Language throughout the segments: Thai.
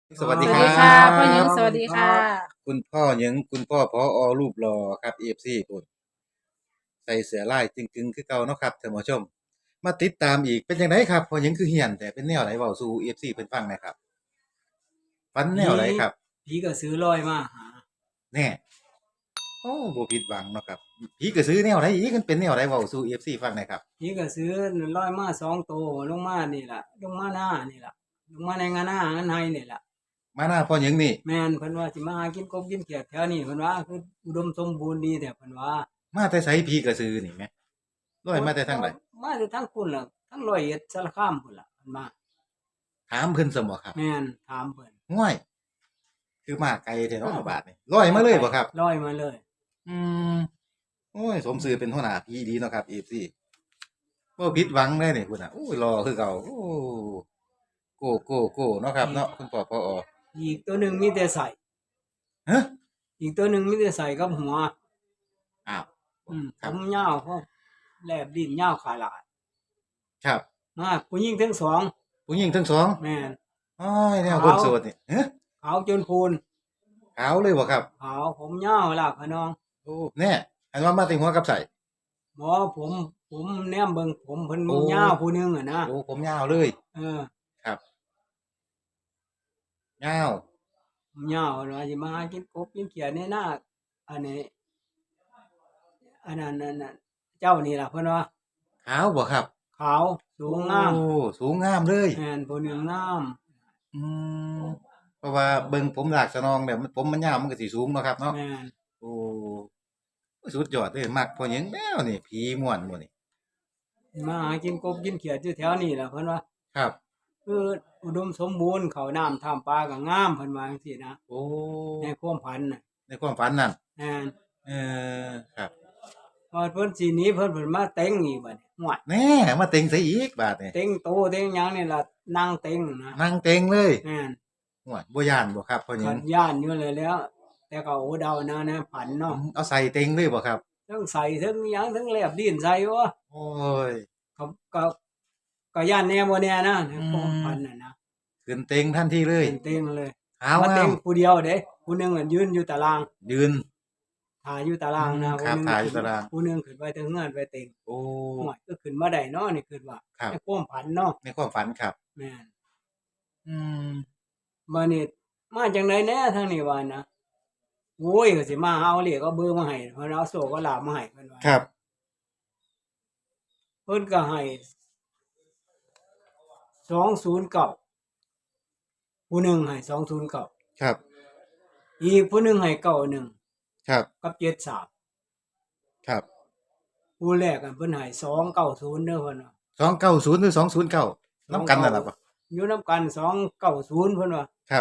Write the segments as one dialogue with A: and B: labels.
A: สวัส
B: ส
A: ดีครั
B: วัสดีค่ะพ่อหญิง
A: บ
B: สวัสดีค่ะ
A: คุณพ่อหยังคุณพ่อผอรูปหล่อครับ FC พุ่นใส่เสื้อลายจึงๆคือเก่าเนาะครับท่านผู้ชมมาติดตามอีกเป็นจังไดครับพ่อหยังคือเฮียนแต่เป็นแนวไหนเว้าสู่ FC เพิ่นฟังหน่อยครับฝันแน
C: ผี
A: วไหนครับ
C: ผีก็ซื้อลอยมาหา
A: แน่โอ้บ่ผิดหวังเนาะครับผีกระสือแนวไหนอีกมันเป็นแนวไหนเว้าสู่ FC ฟังหน่อยครับ
C: ผีก็ซื้อลอยมา2 ตัวลงมานี่ล่ะลงมาหน้านี่ล่ะลงมาในงานหน้างานไห้นี่ล่ะ
A: มาหน้าพ่อหยังนี่
C: แม่นเพิ่นว่าสิมาหากินกบกินเขียดแถวนี้เพิ่นว่าคืออุดมสมบูรณ์ดีแต่เพิ่นว่า
A: มาแต่ไสผีกระสือนี่แหมลอยมาแต่ทางใด
C: มาแต่ทั้งพุ่นล่ะทั้งร้อยเอ็ดสารคามพุ่นล่ะเพิ่นมา
A: ถามเพิ่นซะบ่ครับ
C: แม่นถามเพิ่น
A: ฮ้วยคือมาไกลแท้เนาะบาดนี้ลอยมาเลยบ่ครับ
C: ลอยมาเลย
A: อืม โอ้ยสมซื่อเป็นหัวหน้าพี่ดีเนาะครับ FC บ่ผิดหวังเลยนี่พุ่นน่ะโอ้ยหล่อคือเก่าโอ้โก้เนาะครับ
C: อีก
A: เนาะคุณพ่อผอ
C: อีกตัวหนึงมีแต่ใส่
A: ฮะ
C: อีกตัวหนึงมีแต่ใส่กับหัว
A: อ้าว
C: ผม
A: ครับ
C: ยาวพวกแลบลิ้นยาวขาหลาย
A: ครับ
C: มาผู้หญิงทั้งสอง
A: ผู้หญิงทั้งสอง
C: แม่น
A: โอ้ยแนวคน
C: ขาว
A: โสดนี่ฮะ
C: ขาวจนพูน
A: ขาวเลยบ่ครับ
C: ขาวผมยาวลากพะน้อง
A: โอ้แน่อันว่ามาแต่หัวกับไส
C: หมอผมแนมเบิ่งผมเพิ่น
A: โอ้
C: ยาวผู้หนึงอะนะ
A: โอ้ผมยาวเลย
C: เออ
A: ครับยาว
C: ผมยาวว่าสิมาหากินกบกินเขียดในนาอันนี้อันนั้นนั่นน่ะเจ้านี่ล่ะเพิ่นว่า
A: ขาวบ่ครับ
C: ขาวสูงงาม
A: โอ้สูงงามเลย
C: แม่นผู้หนึงงาม
A: อืมเพราะว่าเบิ่งผมลากสะนองแบบผมมันยาวมันก็สิสูงเนาะครับเนาะ
C: แม่น
A: โอ้ สุดยอดเลยมักพ่อหยังแนวนี่ผีม่วนบ่นี่
C: มาหากินกบกินเขียดอยู่แถวนี้ล่ะเพิ่นว่า
A: ครับ
C: คืออุดมสมบูรณ์ข้าวน้ำท่ามปลาก็งามเพิ่นว่าจังซี่นะ
A: โอ้
C: ในความฝันน่ะ
A: ในความฝันนั่น
C: แม่น
A: เอครับ
C: พอเพิ่นสิหนีเพิ่นมาเต็งอีกบัดนี้ฮวด
A: แหน่มาเต็งใส่อีกบาดนี่
C: เต็งโตเต็งหยังนี่ล่ะนั่งเต็งนะ
A: นั่งเต็งเลย
C: แม่น
A: โอ้ยบ่ย้านบ่ครับพ่อหยัง
C: ขันย่านอยู่เลยแหล้วแต่ก็โอ้เดานะผันเนาะ
A: เอาใส่เต็งเลยบ่ครับ
C: ทั้งใส่ทั้งหยังทั้งแลบดินใส่วะ
A: โอ้ย
C: ก็ก็ก็ย่านแน่บ่แน่นะใน
A: อื
C: ความ
A: ม
C: ฝันน่ะนะ
A: ขึ้นเต็งทันทีเลย
C: เป็นเต็งเลย
A: ขาว
C: มาเต็
A: งาม
C: งผู้เดียวเด้ผู้หนึงอะยืนอยู่ตาราง
A: ยืน
C: ท่าอยู่ตารางนะ
A: ครับ
C: ผู้หนึง
A: ถ่ายอยู่
C: ขึ้น
A: ตาราง
C: ผู้หนึงขึ้นไปเทิงเฮือนไปเต็ง
A: โอ้
C: โอ้ยก็ขึ้นมาได้เนาะนี่คิดว่า
A: ครับ
C: ในความฝันเนาะ
A: ในความฝันครับ
C: แม่น
A: อืม
C: บัดนี้มาจังไดแหน่ทางนี้ว่านะโอ้ยก็สิมาเอาเลขเอาเบอร์มาให้เพิ่นเอาโชคเอาลาภมาให้เพิ่นว่า
A: ครับ
C: เพิ่นก็ให้209ผู้หนึ่งให้209
A: ครับ
C: อีกผู้หนึ่งให้91
A: ครับ
C: กับ73
A: ครับ
C: ผู้แรกอะเพิ่นให้290เด้อเพิ่นว่า
A: 290หรือ209นำกันนั่นล่ะบ่
C: อยู่นำกัน290เพิ่นว่า
A: ครับ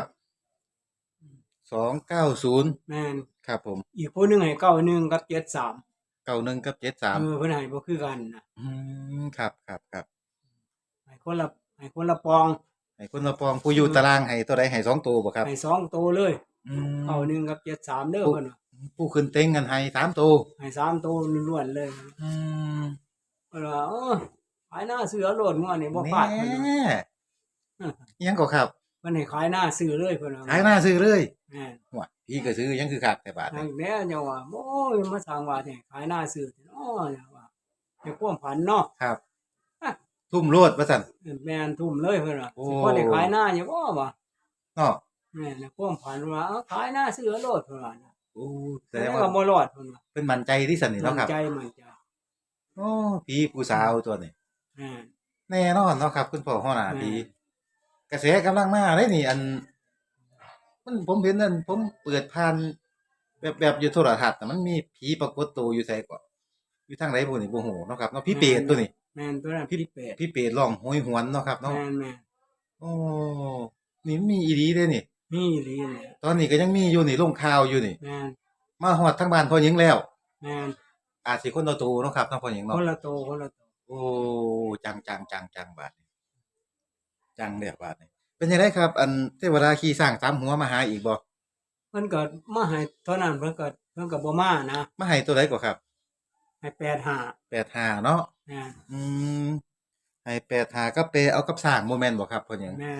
A: 290
C: แม่น
A: ครับผม
C: อีกผู้หนึ่งให้91กับ73
A: 91กับ73
C: เพิ่นให้บ่คือกันน่ะ
A: อืครับ
C: ให้คนละปอง
A: ให้คนละปองผู้อยู่ตารางให้ตัวใดให้2ตัวบ่ครับ
C: ให้2โตวเลย
A: อืม
C: 91กับ73เด้อ
A: ผู้
C: เพิ่นว่า
A: ผู้ขึ้นเต็งกันให้3ตัว
C: ให้3โตวล้วนๆเลย
A: อืม
C: เพิ่นว่าขายหน้าซื้อเอาโลดงวดนี้บ่
A: แห
C: พลาดเพิ่นว่า
A: น่อิหยังก็ครับ
C: เพิ่นให้ขายหน้าซื้อเลยเพิ่นว่า
A: ขายหน้าซื้อเลย
C: แม่น
A: ฮ้วยพี่ก็ซื้อยังคือคักแต่บาด
C: ทา
A: นี้
C: งแม่จังว่าโอ้ยมาสร้างว่าแท้ขายหน้าซื้อแท้เนาะจังว่าในความฝันเนาะ
A: ครับทุ่มโลดว่าซั่น
C: แม่นทุ่มเลยเพิ่นว่า
A: โอ้
C: สิพอได้ขายหน้าอยู่บ่วะ
A: เนาะ
C: แม่นในความฝันว่าเอาขายหน้าซื้อเอาโลดเพิ่นว่าน่ะ
A: โอ้แส
C: แต่
A: ดงว่า
C: ก็บ่รอดเพิ่นว่า
A: เพิ่นมั่นใจที่ซั่นนี่
C: มั่
A: เนาะครับ
C: นใจ
A: โอ้ผีผู้สาวตัวนี้
C: แม่น
A: แน่นอนเนาะครับคุณพ่อหัวหน้า
C: แม่
A: ผี
C: น
A: กระแสกำลังมาเด้นี่มันผมเห็นนั่นผมเปิดผ่านแบบอยู่โทรทัศน์น่ะมันมีผีปรากฏตัวอยู่ไสก็อยู่ทางใดบ่นี่บ่ฮู้เนาะครับเนาะผีเปรตตัวนี้
C: แม่นตัวนั้น
A: พี่
C: พี่เป็ด
A: พี่เปรตร้องโหยหวนเนาะครับเนาะ
C: แม่น
A: โอ้นี่มันมีอีหลีเด้นี่
C: มีอีหลีแหละ
A: ตอนนี้ก็ยังมีอยู่นี่ลงข่าวอยู่นี่
C: แม่น
A: มาฮอดทางบ้านพ่อหญิงแล้ว
C: แม่น
A: อาจสิคนละโตเนาะครับเนาะพ่อหญิง
C: ค
A: เนาะ
C: นละโตคนละโต
A: โอ้จังบาดนี้จังเด้อบาดนี้เป็นจังไดครับอันเทวดาขี่ช้างสามหัวมาหาอีกบ่
C: เพิ่นก็มาให้เท่านั้นเพิ่นก็บ่มานะ
A: มาให้ตัวใดก็ครับ
C: ให้85
A: 85เนาะ
C: แม่น
A: อืมให้85กับเปเอากับช้างบ่แม่นบ่ครับพ่อหญิง
C: แม่น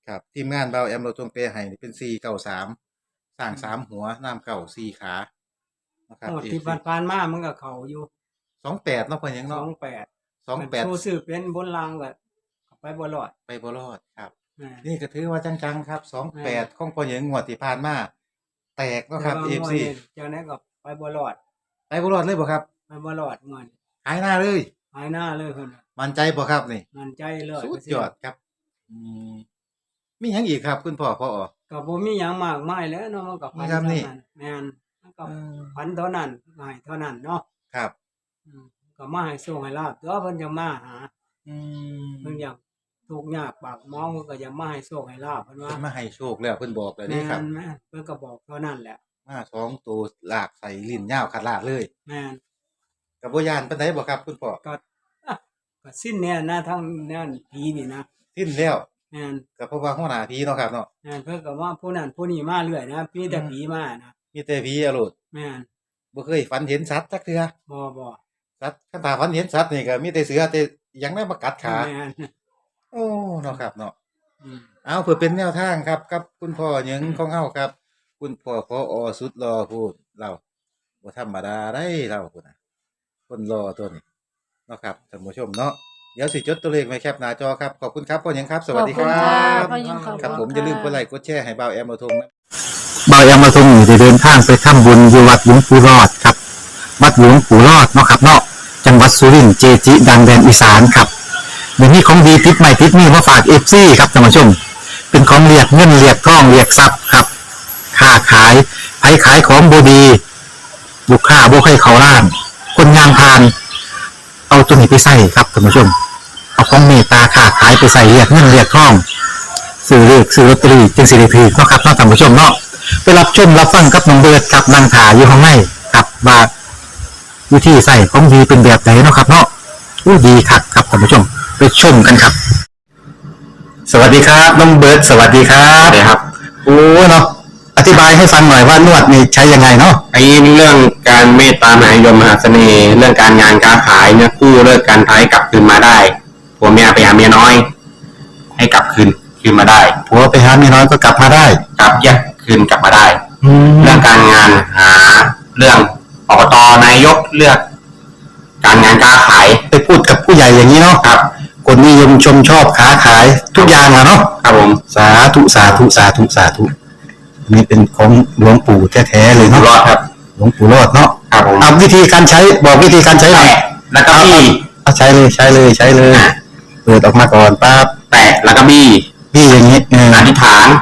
A: ครับทีมงานเบาแอมเราทงเปให้นี่เป็น493สร้าง3หัวน้ำเก่า4ขานะครับ
C: งวดที่
A: FC
C: ผ่านๆมามันก็เข้าอยู่
A: 28เนาะพ่อหยังเนาะ
C: 28มันผู้ซื้อเป็นบนรางก็ไปบ่รอด
A: ไปบ่รอดครับ
C: อา
A: นี่ก็ถือว่าจังๆครับ28ของพ่อหยังงวดที่ผ่านมาแตกเนาะครับ
C: แต่ว่างวด
A: FC
C: นี้เจ้าไหนก็ไปบ่รอด
A: ไปบ่รอดเลยบ่ครับ
C: ไปบ่รอดงวดนี้
A: หายหน้าเลย
C: หายหน้าเลยเพิ่นน่ะ
A: มั่นใจบ่ครับนี่
C: มั่นใจ
A: สุด
C: 100%
A: ยอดครับอืมมีหยังอีกครับคุณพ่อพอ
C: ก็บ่มีหยังมากมายแหล้วเนาะมันก็พัน
A: มีซ้ำนี่
C: เท่านั้นแม่นมันก็
A: เออ
C: พันเท่านั้นให้เท่านั้นเนาะ
A: ครับ
C: ก็มาให้โชคให้ลาบตัวเพิ่นจะมาหา
A: อืม
C: เพิ่นอยากทุกข์ยากปากหมองเพิ่นก็จะมาให้โชคให้ลาบเพิ่นว่า
A: เพิ่นมาให้โชคแล้วเพิ่นบอกแล้ว
C: แม่
A: นี่ครับ
C: นเพิ่นก็บอกเท่านั้นแหละ
A: มา2ตัวลากใส่ลิ้นยาวขาดลาดเลย
C: แม่น
A: ก็บ่ย้านปานใดบ่ครับคุณพ่อ
C: ก็อะก็สิ้นเนี่ยนะทั้งนั้นผีนี่นะ
A: สิ้นแล้ว
C: แม่น
A: ก็เพราะว่าหัวหน้าผีเนาะครับเนาะ
C: แม่นเพิ่นก็ว่าผู้นั้นผู้นี้มาเรื่อยนะมีแต่ผีมานะ
A: มีแต่ผีอะโลด
C: แม่น
A: บ่เคยฝันเห็นสัตว์จักเทื่อ
C: บ่
A: สัตว์คันถ้าฝันเห็นสัตว์นี่ก็มีแต่เสือแต่หยังได้มากัดขา
C: แม่น
A: โอ้เนาะครับเนาะ
C: อืม
A: เอาเพื่อเป็นแนวทางครับกับคุณพ่อหยังของเฮาครับ คุณพ่อพอสุดหล่อพูดเราบ่ธรรมดาได้เราพุ่นน่ะคนหล่อตัวนี้เนาะครับท่านผู้ชมเนาะเดี๋ยวสิจดตัวเลขไว้แคปหน้าจอครับขอบคุณครับพ่อหยังครับ สวัสดีค
B: ขอบ
A: รั
B: คุณค่ะ
A: บ
B: พ่อหยังขอบ
A: ครับ
B: คุณ
A: ผมอย่าลืมกด
B: ค่ะ
A: ไลค์กดแชร์ให้บ่าวแอมมาทงนะ
D: บายามาทรงอยู่ได้เดินทางไปทำบุญอยู่วัดหลวงปู่รอดครับวัดหลวงปู่รอดเนาะครับเนาะจังหวัดสุรินทร์เจจิดังแดนอีสานครับเดี๋ยวนี้ของดีติดใหม่ติดนี่มาฝากเอฟซีครับท่านผู้ชม เป็นของเรียกเงินเรียกทองเรียกทรัพย์ครับค้าขายไผขายของบดีลูกค้าบ่ให้เขาล้าน คนงานพาน เอาตัวนี้ไปใส่ครับท่านผู้ชม เอาของเมตตาค้าขายไปใส่เรียกเงินเรียกทองซื้อเลขซื้อลอตเตอรี่จึงสิริพีเนาะครับเนาะท่านผู้ชมเนาะไปรับชมรับฟังกับน้องเบิร์ดกับนางถาอยู่ข้างในกับว่าวิธีใส่ของดีเป็นแบบไหนเนาะครับเนาะอู้ดีคักครับท่านผู้ชมไปชมกันครับ สวัสดีครับน้องเบิร์ดสวัสดีครับสวัสดีครับโอ้เนาะอธิบายให้ฟังหน่อยว่านวดนี่ใช้ยังไงเนาะ
E: ไอ้เรื่องการเมตตามหานิยมมหาเสน่ห์เรื่องการงานการขายเนี่ยกู้เลิกการท้ายกลับคืนมาได้ผัวเมียไปหาเมียน้อย ให้กลับคืนมาได้
D: ผัวไปหาเมียน้อยก็กลับมาได้
E: กลับแยกคืนกลับมาได้
D: แล้
E: เรื่
D: ว
E: องการงานหาเรื่องอบตนายกเลือก การงานการขาย
D: ไปพูดกับผู้ใหญ่อย่างนี้เนาะ
E: ครับ
D: คนนิยมชมชอบค้าขายทุกอย่างอะเนาะ
E: ครับผม
D: สาธุสาธุสาธุสาธุนี่เป็นของหลวงปู่แท้ๆเลย
E: อยู่
D: เนาะ
E: รอดครับ
D: หลวงปู่รอดเนาะ
E: ครับผม
D: เอาวิธีการใช้บอกวิธีการใช้หน่อย
E: แตะแล้วก็บี้
D: เอาใช้เลยใช้เลยใช้เลยเปิดออกมาก่อนปั๊บ
E: แตะแล้วก็บี้
D: พี่อย่างนี้
E: อธิษฐาน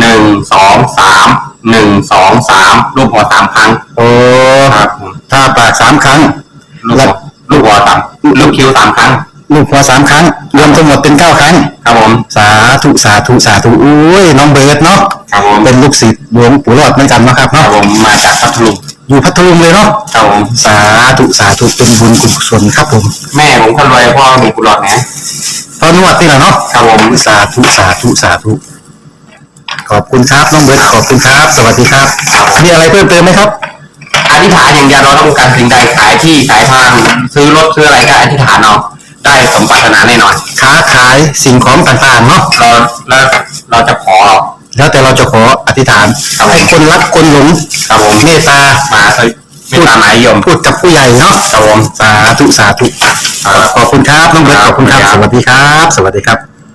E: 1 2 3 1 2 3รูปหัวสามครั้ง
D: โอ้
E: ครับผม
D: ถ้าปาก3 ครั้ง
E: ลูกหัวสามลูกคิ้ว3 ครั้ง
D: ลูกหัว3 ครั้ง รวมทั้งหมดเป็น9 ครั้ง
E: ครับผม
D: สาธุสาธุสาธุอุ้ยน้องเบิร์ดเนาะ
E: ครับผม
D: เป็นลูกศิษย์หลวงปู่รอดเหมือนกันเนาะครับ
E: ครับ
D: เนาะ
E: ผมมาจากพัทลุง
D: อยู่พัทลุงเลยเนาะ
E: ครับผม
D: สาธุสาธุเป็นบุญกุศลครับผม
E: แม่ผมคนรวยพ่อมีกุหลาบนะ
D: ตอนนวดนี่แหละเนาะ
E: ครับผม
D: สาธุสาธุสาธุขอบคุณครับน้องเบิร์ดขอบคุณครับ สวัสดีครับมีอะไรเพิ่มเติมไหมครับ
E: อธิษฐานอย่างเดียวเราต้องการสิ่งใดขายที่ขายทางซื้อรถซื้ออะไรก็อธิษฐานเอาได้สมปรารถนาแน่นอน
D: ค้าขายสิ่งของต่างๆเนาะ
E: เราจะขอ
D: แล้วแต่เราจะขออธิษฐานให้คนรักคนหลง
E: ครับผม
D: เมตตา
E: มาไม่ตามหมายยม
D: พูดกับผู้ใหญ่เนาะ
E: ครับผม
D: สาธุสาธุขอบคุณครับน้องเบิร์ตขอบคุณครับ สวัสดีครับ สวัสดีครับ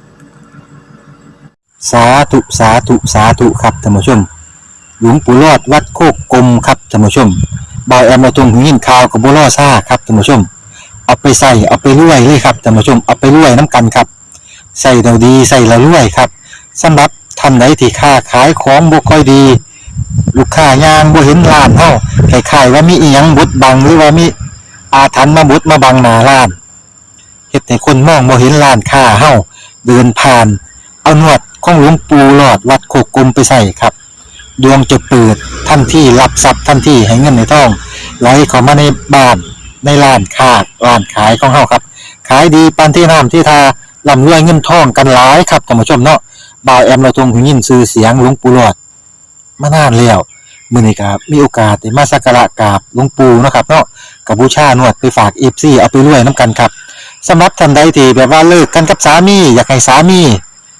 D: สาธุสาธุสาธุครับท่านผู้ชม หลวงปู่รอดวัดโคกกลมครับท่านผู้ชมบอยแอมมาตรงหินข่าวกับบัวล่อซ่าครับท่านผู้ชม เอาไปใส่เอาไปรวยเลยครับท่านผู้ชมเอาไปรวยน้ำกันครับใส่เราดีใส่เรารวยครับสำหรับท่านใดที่ค้าขายของบ่ค่อยดี ลูกค้ายางบ่เห็นร้านเฮาคล้ายๆว่ามีอีหยังบดบังหรือว่ามีอาถรรพ์มาบดมาบังหน้าร้านเฮ็ดให้คนมองบ่เห็นร้านค้าเฮาเดินผ่าน เอาหนวดของหลวงปู่หลอดวัดโคกกลมไปใส่ครับ ดวงจะเปิดทันทีรับทรัพย์ทันทีให้เงินในท้องไหลเข้ามาในบ้านในร้านค้าร้านขายของเฮาครับ ขายดีปานที่น้ำที่ทาร่ำรวยเงินทองกันหลายครับท่านผู้ชมเนาะบ่าวแอมเราทรงหูยินชื่อเสียงหลวงปู่หลอดมานานแล้วมื้อนี้ครับมีโอกาสได้มาสักการะกราบหลวงปู่เนาะครับเนาะกับบูชานวดไปฝาก FC เอาไปรวยนํกันครับสำหรับท่านใดที่แบบว่าเลิกกันกับสามีอยากให้สามี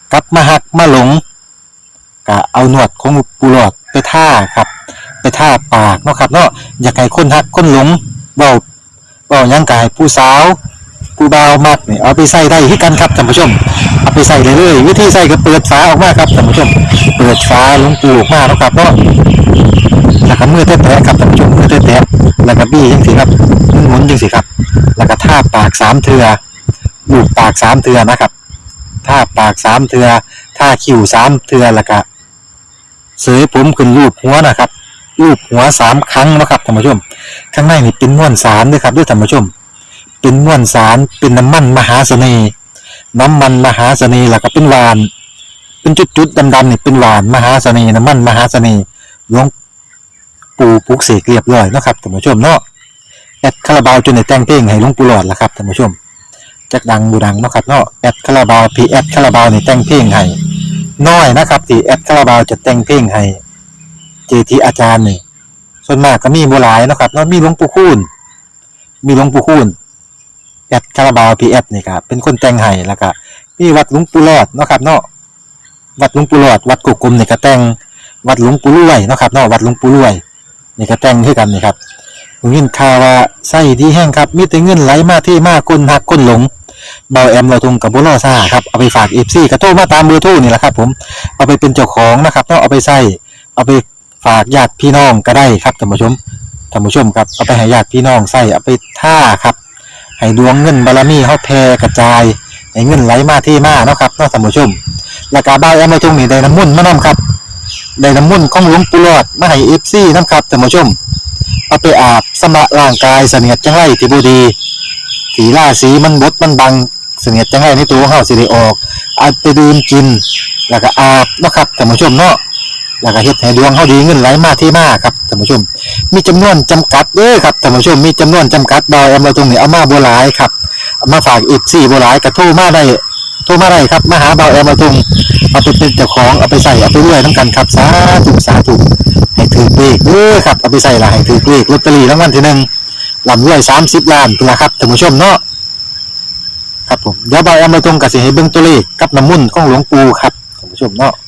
D: กลับมาหักมาหลงก็เอาหนวดของปูหลอดไปท่าครับ ไปท่าปากเนาะครับเนาะอยากให้คนหักคนหลงเบาหยังกายผู้สาวผู้บ่าวมักนี่เอาไปใส่ได้ที่กันครับท่านผู้ชมเอาไปใส่เลยวิธีใส่ก็เปิดฝาออกมาครับท่านผู้ชมเปิดฝาหลวงปูออกมาเนาะครับเนาะแล้วก็มือแตะๆครับท่านผู้ชมมือแตะๆแล้วก็บี้จังซี่ครับหมุนจังซี่ครับแล้วก็ท่าปาก3เทื่อลูบปาก3เทื่อนะครับท่าปาก3เทื่อท่าคิ้ว3เทื่อแล้วก็เสยผมขึ้นรูปหัวนะครับรูปหัว3ครั้งนะครับท่านผู้ชมข้างในนี่เป็นม้วนสารด้วยครับด้วยท่านผู้ชมเป็นม้วนสารเป็นน้ำมันมหาเสน่ห์น้ำมันมหาเสน่ห์แล้วก็เป็นหวานเป็นจุดๆดำๆนี่เป็นหวานมหาเสน่ห์น้ำมันมหาเสน่ห์หลวงปู่ปลุกเสกเรียบร้อยนะครับท่านผู้ชมเนาะแอดคาราบาวจนได้แต่งเพลงให้หลวงปู่หลอดแล้วครับท่านผู้ชมจักดังบูดังเนาะครับเนาะแอดคาราบาวพีแอดคาราบาวนี่แต่งเพลงให้น้อยนะครับที่แอดคาราบาวจะแต่งเพลงให้เจทีอาจารย์นี่ส่วนมากก็มีบ่หลายเนาะครับเนาะมีหลวงปู่คูณแอดคาราบาวพีแอดนี่ครับเป็นคนแต่งให้แล้วก็มีวัดหลวงปู่หลอดเนาะครับเนาะวัดหลวงปู่หลอดวัดกุกกลมนี่ก็แต่งวัดหลวงปู่รวยเนาะครับเนาะวัดหลวงปู่รวยนี่ก็แต่งคือกันนี่ครับผมยินข่าวว่าไส้ดีแห้งครับมีแต่เงินไหลมาที่มาคนหักคนหลงเบาแอมเราทงกับบ่ล่อซ่าครับเอาไปฝาก FC ก็โทรมาตามเบอร์โทรนี่แหละครับผมเอาไปเป็นเจ้าของนะครับเนาะเอาไปใส่เอาไปฝากญาติพี่น้องก็ได้ครับท่านผู้ชมครับเอาไปให้ญาติพี่น้องใส่เอาไปท่าครับให้ดวงเงินบารมีเฮาแผ่กระจายให้เงินไหลมาที่มาเนาะครับเนาะท่านผู้ชมแล้วก็เบาแอมเราทงนี่ได้น้ำมุ่นต์มานํครับได้น้ำมุ่นต์ของหลวงปู่หลอดมาให้ FC นํครับท่านผู้ชมเอาไปอาบสำระร่างกายเสนียดจังไรที่บ่ดีสีราสีมันบดมันบังเสนียดจังไรในตัวของเฮาสิได้ออกเอาไปดื่มกินแล้วก็อาบเนาะครับท่านผู้ชมเนาะแล้วก็เฮ็ดให้ดวงเฮาดีเงินไหลมาที่มาครับท่านผู้ชมมีจำนวนจำกัดเด้อครับท่านผู้ชมมีจำนวนจำกัดดอยเอามาตรงนี้เอามาบ่หลายครับเอามาฝากอีก4บ่หลายก็โทรมาได้ครับมาหาเบาแอมมาตรงเอาไปเป็นเจ้าของเอาไปใส่เอาไปรวยนํกันครับสาธุให้ถือเลขเด้อครับเอาไปใส่ละให้ถือเลขลอตเตอรี่รางวัลที่1ลำรวย30ล้านพุ่นล่ะครับท่านผู้ชมเนาะครับผมเดี๋ยวเบาแอมมาตรงก็สิให้เบิ่งตัวเลขกับน้ำมนต์ของหลวงปู่ครับท่านผู้ชมเนาะ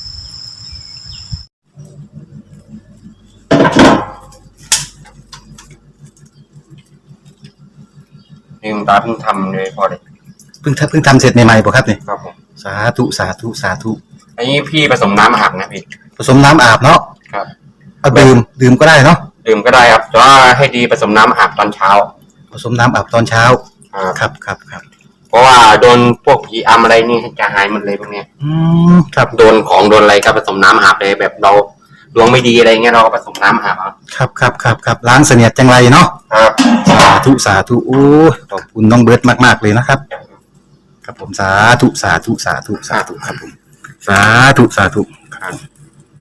E: นี่คุณตาเพิ่งทำเลยพอเลย
D: เพิ่งทำเสร็จใหม่ๆป่ะครับเนี่ย
E: ครับผม
D: สาธุ
E: อันนี้พี่ผสมน้ำอาบนะพี่
D: ผสมน้ำอาบเนาะ
E: ครับ
D: เอาดื่มก็ได้เนาะ
E: ดื่มก็ได้ครับแต่ว่าให้ดีผสมน้ำอาบตอนเช้า
D: ผสมน้ำอาบตอนเช้า
E: ครับ
D: ครับ
E: เพราะว่าโดนพวกผีอำอะไรนี่จะหายหมดเลยพวกเนี้ย
D: ครับ
E: โดนของโดนอะไรก็ผสมน้ำอาบเลยแบบเราดวงไม่ดีอะไรเงี้ยเราก็ผสมน้ำอาบเอา
D: ครับล้างเสนียดจังไรเนาะ
E: ครับ
D: สาธุโอ้ขอบคุณน้องเบิร์ตมากๆเลยนะครับ ครับผมสาธุครับผมสาธุ